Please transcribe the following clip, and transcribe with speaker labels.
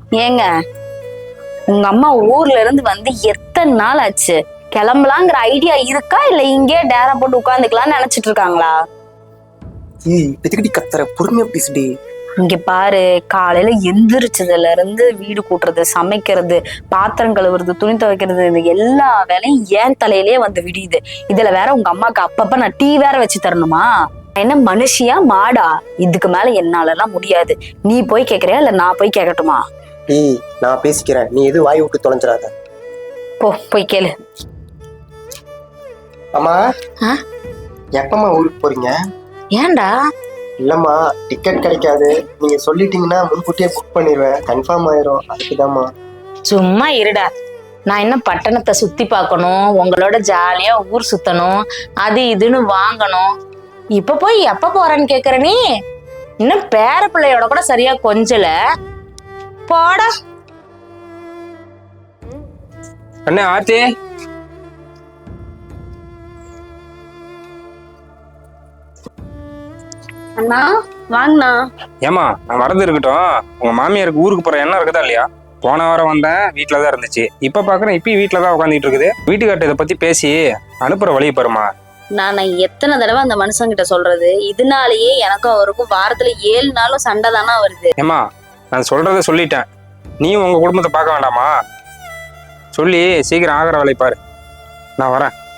Speaker 1: ஏங்க, உங்க அம்மா ஊர்ல இருந்து வந்து எத்தனை நாள் ஆச்சு? கிளம்பலாங்கிற ஐடியா இருக்கா இல்ல இங்கே டேரா போட்டு உட்காந்துக்கலாம்னு நினைச்சிட்டு இருக்காங்களா?
Speaker 2: எதுக்கடி கத்துற? பொறுமையா பேசுடி.
Speaker 1: இங்க பாரு, காலையில எந்திரிச்சதுல இருந்து வீடு கூட்டுறது, சமைக்கிறது, பாத்திரம் கழுவுறது, துணி துவைக்கிறது, இது எல்லா வேலையும் ஏன் தலையிலேயே வந்து விடியுது. இதுல வேற உங்க அம்மாக்கு அப்பப்ப நான் டீ வேற வச்சு தரணுமா? என்ன மனுஷியா மாடா? இதுக்கு மேல என்னால எல்லாம் முடியாது. நீ போய் கேக்குறியா இல்ல நான் போய் கேட்கட்டுமா?
Speaker 2: நான் பேசிக்கிறேன், நீ எது வாய் விட்டு தொலைஞ்சிடாத.
Speaker 1: போய் கேளு.
Speaker 2: அம்மா, எப்பமா ஊருக்கு போறீங்க?
Speaker 1: ஏன்டா?
Speaker 2: இல்லம்மா, டிக்கெட் கிடைக்காது. நீங்க சொல்லிட்டீங்கன்னா முன்கூட்டியே புக் பண்ணிடுவேன், கன்ஃபார்ம் ஆயிரும். அதுக்குதாம்மா.
Speaker 3: சும்மா இருடா. நான் என்ன பட்டணத்தை சுத்தி பார்க்கணும், உங்களோட ஜாலியா ஊர் சுத்தணும், அது இதுன்னு வாங்கணும். இப்ப போய் எப்ப போறேன்னு கேக்குற நீ? இன்னும் பேர பிள்ளையோட கூட சரியா கொஞ்சல. போடா.
Speaker 4: அண்ணே ஆர்த்தி,
Speaker 1: அண்ணா வாங்கண்ணா.
Speaker 4: ஏமா நான் வரது இருக்கட்டும். உங்க மாமியாருக்கு ஊருக்கு போற எண்ணம் இருக்குதா இல்லையா? போன வாரம் வந்தேன், வீட்டுலதான் இருந்துச்சு. இப்ப பாக்குறேன் இப்பயும் வீட்டுலதான் உட்காந்துட்டு இருக்குது. வீட்டுக்கார்ட்ட இதை பத்தி பேசி அனுப்புற வழியை பாருமா.
Speaker 1: நான் எத்தனை தடவை அந்த மனுஷங்கிட்ட சொல்றது? இதனாலேயே எனக்கும் அவருக்கும் வாரத்துல 7 நாளும் சண்டை தானா வருது.
Speaker 4: ஏமா, நான் சொல்றத சொல்லிட்டேன், நீயும் உங்க குடும்பத்தை பார்க்க வேண்டாமா? சொல்லி சீக்கிரம் ஆகிற வேலையை பாரு. நான் வரேன்.